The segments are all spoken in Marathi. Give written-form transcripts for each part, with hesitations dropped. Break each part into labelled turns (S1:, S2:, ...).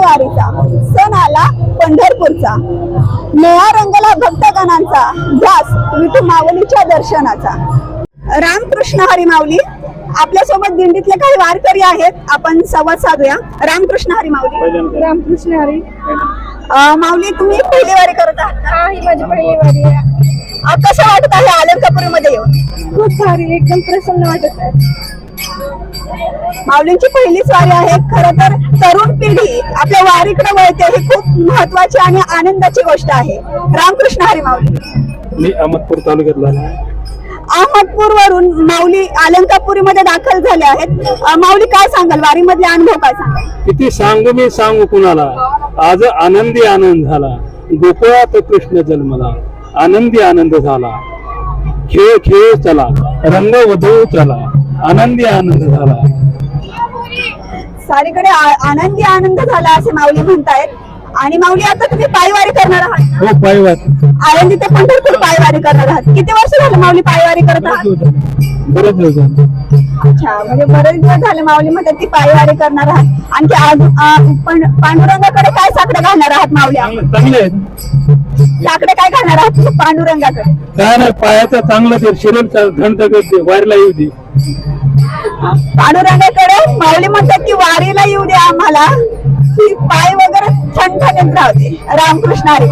S1: वारीचा सण आला पंढरपूरचा, निळा रंगला भक्तगणांचा, ध्यास विठू माऊलीच्या दर्शनाचा। रामकृष्ण हरी माऊली, आपल्या सोबत दिंडीतले काही वारकरी आहेत, आपण संवाद साधूया। रामकृष्ण हरी माऊली।
S2: रामकृष्ण हरी।
S1: माऊली, तुम्ही पहिली वारी करत आहात?
S2: हा, ही माझी पहिली वारी आहे।
S1: कसं वाटत आहे अलंकापुरीमध्ये येऊन?
S2: खूप भारी, एकदम प्रसन्न वाटत आहे।
S1: माऊलींची पहिलीच वारी आहे। खरं तर तरुण पिढी आपल्या वारीकडे वळते, ही खूप महत्वाची आणि आनंदाची गोष्ट आहे। रामकृष्ण हरी माऊली।
S3: मी अहमदपूर तालुक्यातला आहे।
S1: अहमदपूर वरून माऊली अलंकापुरीमध्ये दाखल झाले आहेत। माऊली, काय सांगाल वारीमधले अनुभव, काय सांगाल?
S3: किती सांगू मी सांगू कुणाला, आज आनंदी आनंद झाला, गोकुळात कृष्ण जन्मला, आनंदी आनंद झाला, खेळ खेळ चला, रंग वधू चला, आनंदी आनंद झाला।
S1: सारीकडे आनंदी आनंद झाला असे माऊली म्हणतायत। आणि माऊली, आता तुम्ही पायवारी करणार आहात?
S3: हो, पायवाट
S1: आळंदी ते पंढरपूर पायवारी करणार आहात। किती वर्ष झालं माऊली पायवारी करत आहात?
S3: बरेच दिवस झाले।
S1: अच्छा, म्हणजे बरेच दिवस झाले माऊली म्हणतात ती पायवारी करणार आहात। आणखी पांडुरंगाकडे काय साकडे घालणार आहात माऊली?
S3: चांगले आहेत।
S1: साकडे काय घालणार आहात पांडुरंगाकडे?
S3: काय नाही, पायाचं चांगलं ते शरीर घंट करते, वारीला येऊ दे।
S1: पांडुरंगाकडे माऊली म्हणतात की वारीला येऊ दे आम्हाला, की पाय वगैरे ठणठणीत राहते। रामकृष्ण हरी।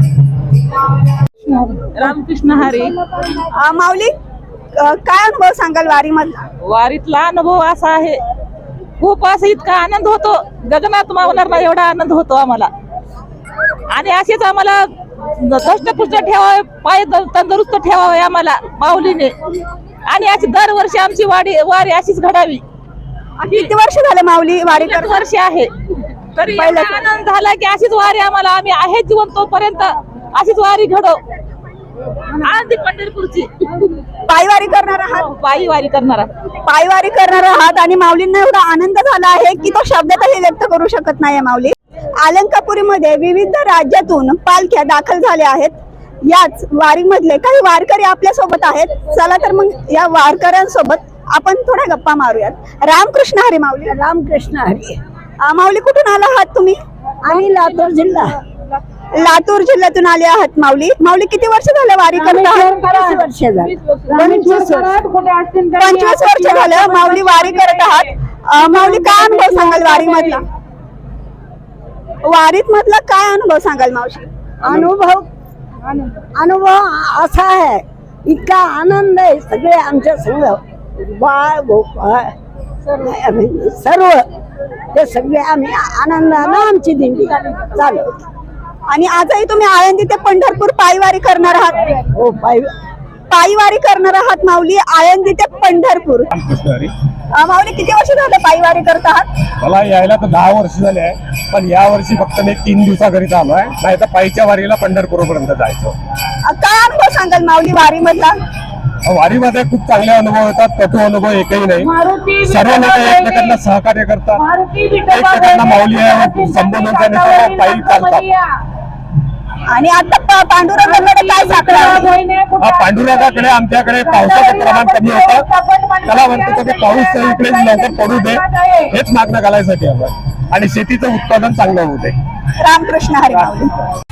S4: रामकृष्ण हरी।
S1: माऊली, काय अनुभव सांगाल वारी मधला?
S4: वारीतला अनुभव असा आहे, खूप असं इतका आनंद होतो, गगनात मावणार नाही एवढा आनंद होतो आम्हाला। आणि असेच आम्हाला दष्टपुष्ट ठेवावे, पाय तंदुरुस्त ठेवावे आम्हाला माऊलीने। आणि अशी दरवर्षी आमची वारी अशीच घडावी।
S1: किती वर्ष झाले माऊली वारी करत?
S4: वर्ष आहे, तरी एवढा आनंद झाला की अशीच वारी आम्हाला, आम्ही आहे जीवन तोपर्यंत अशीच वारी घडो। आनंदी पंढरपूरची
S1: पायवारी करणार आहात?
S4: पायी वारी करणार
S1: पायवारी करणार आहात आणि माऊलींना एवढा आनंद झाला आहे की तो शब्दातही व्यक्त करू शकत नाही माऊली। अलंकापुरीमध्ये विविध राज्यातून पालख्या दाखल झाल्या आहेत। याच वारीमधले काही वारकरी आपल्या सोबत आहेत। चला तर मग या वारकऱ्यांसोबत आपण थोड्या गप्पा मारूयात। रामकृष्ण हरी माऊली।
S2: रामकृष्ण हरी।
S1: माऊली, कुठून आला आहात तुम्ही?
S2: आम्ही लातूर जिल्हा।
S1: लातूर जिल्ह्यातून आले आहात माऊली। माऊली, किती वर्ष झाले वारी करत आहात?
S2: 25 वर्ष झाली।
S1: 25 वर्ष झालं माऊली वारी करत आहात। माऊली, काय अनुभव सांगाल वारी मधला? वारीत मधला काय अनुभव सांगाल मावशी?
S2: अनुभव असा आहे, इतका आनंद आहे, सगळे आमच्या संग बाळ गोपाळ सर्व ते सगळे आम्ही आनंदानं आमची दिंडी चालू।
S1: आणि आजही तुम्ही आळंदी ते पंढरपूर पायवारी करणार आहात?
S2: हो,
S1: पायवारी करणार आहात माऊली, आळंदी ते पंढरपूर। माऊली, किती वर्ष झालं पायवारी करत आहात?
S5: मला यायला तर 10 वर्ष झाले आहे, पण या वर्षी फक्त मी 3 दिवसाकरिता आलो आहे, नाही तर पायीच्या वारीला पंढरपूर पर्यंत जायचो।
S1: काय अनुभव सांगाल माऊली वारी मधला?
S5: वारीमध्ये खूप चांगले अनुभव येतात, कटू अनुभव एकही नाही। सर्व लोक एकमेकांना सहकार्य करतात, एकमेकांना माऊली संबोधन करण्यासाठी पायी चालतात।
S1: आणि आता पांडुरंगाकडे काय साकडं?
S5: पांडुरंगाकडे आमच्याकडे पावसाचं प्रमाण कमी होतं, त्याला म्हणतो की पाऊस इकडे लवकर पडू दे, हेच मागणं घालायसाठी आपण, आणि शेतीचं उत्पादन चांगलं होते।
S1: रामकृष्ण हरी माऊली।